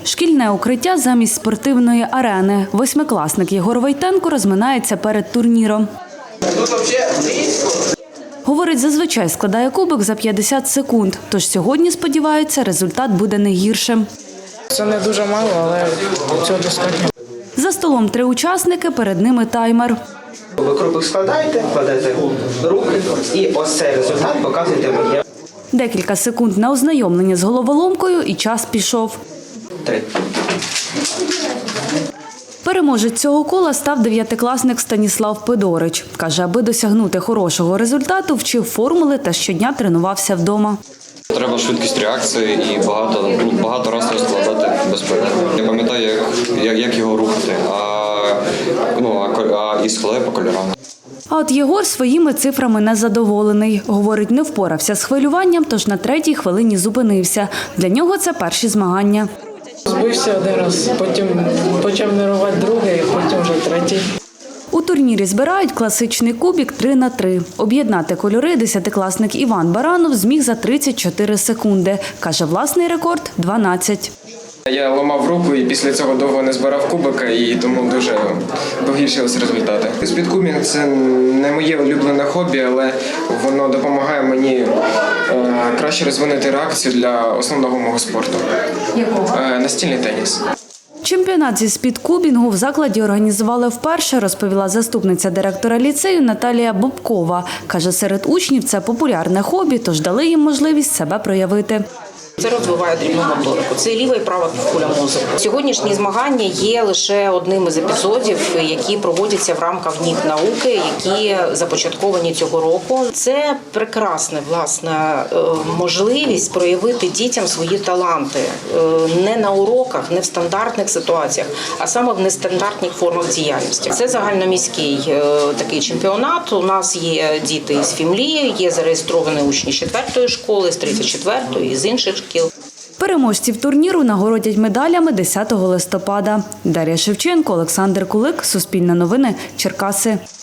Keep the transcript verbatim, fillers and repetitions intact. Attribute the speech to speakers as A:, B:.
A: Шкільне укриття замість спортивної арени. Восьмикласник Єгор Войтенко розминається перед турніром. Говорить, зазвичай складає кубик за п'ятдесят секунд, тож сьогодні, сподівається, результат буде не гіршим.
B: Це не дуже мало, але цього достатньо.
A: За столом три учасники, перед ними таймер.
C: Ви кубик складаєте, кладете руки і ось цей результат показуєте мені.
A: Декілька секунд на ознайомлення з головоломкою і час пішов.
C: Три.
A: Переможець цього кола став дев'ятикласник Станіслав Пидорич. Каже, аби досягнути хорошого результату, вчив формули та щодня тренувався вдома.
D: Треба швидкість реакції і багато, багато разів складати безпеку. Я пам'ятаю, як, як його рухати, а, ну, а, а і складаю по кольорам.
A: А от Єгор своїми цифрами незадоволений. Говорить, не впорався з хвилюванням, тож на третій хвилині зупинився. Для нього це перші змагання.
B: Збився один раз, потім почав нервувати другий, потім вже третій.
A: У турнірі збирають класичний кубик три на три. Об'єднати кольори десятикласник Іван Баранов зміг за тридцять чотири секунди. Каже, власний рекорд – дванадцять.
E: Я ламав руку і після цього довго не збирав кубика, і тому дуже погіршилися результати. Спідкубінг – це не моє улюблене хобі, але воно допомагає мені е, краще розвинути реакцію для основного мого спорту. Якого? Е, настільний теніс.
A: Чемпіонат зі спідкубінгу в закладі організували вперше, розповіла заступниця директора ліцею Наталія Бобкова. Каже, серед учнів це популярне хобі, тож дали їм можливість себе проявити.
F: Це розвиває дрібну моторику. Це ліва і права півкуля мозку. Сьогоднішні змагання є лише одним із епізодів, які проводяться в рамках днів науки, які започатковані цього року. Це прекрасна, власне, можливість проявити дітям свої таланти не на уроках, не в стандартних ситуаціях, а саме в нестандартних формах діяльності. Це загальноміський такий чемпіонат. У нас є діти з Фімлії, є зареєстровані учні з четвертої школи, з тридцять четвертої і з інших шкіл.
A: Переможців турніру нагородять медалями десятого листопада. Дар'я Шевченко, Олександр Кулик, Суспільне новини, Черкаси.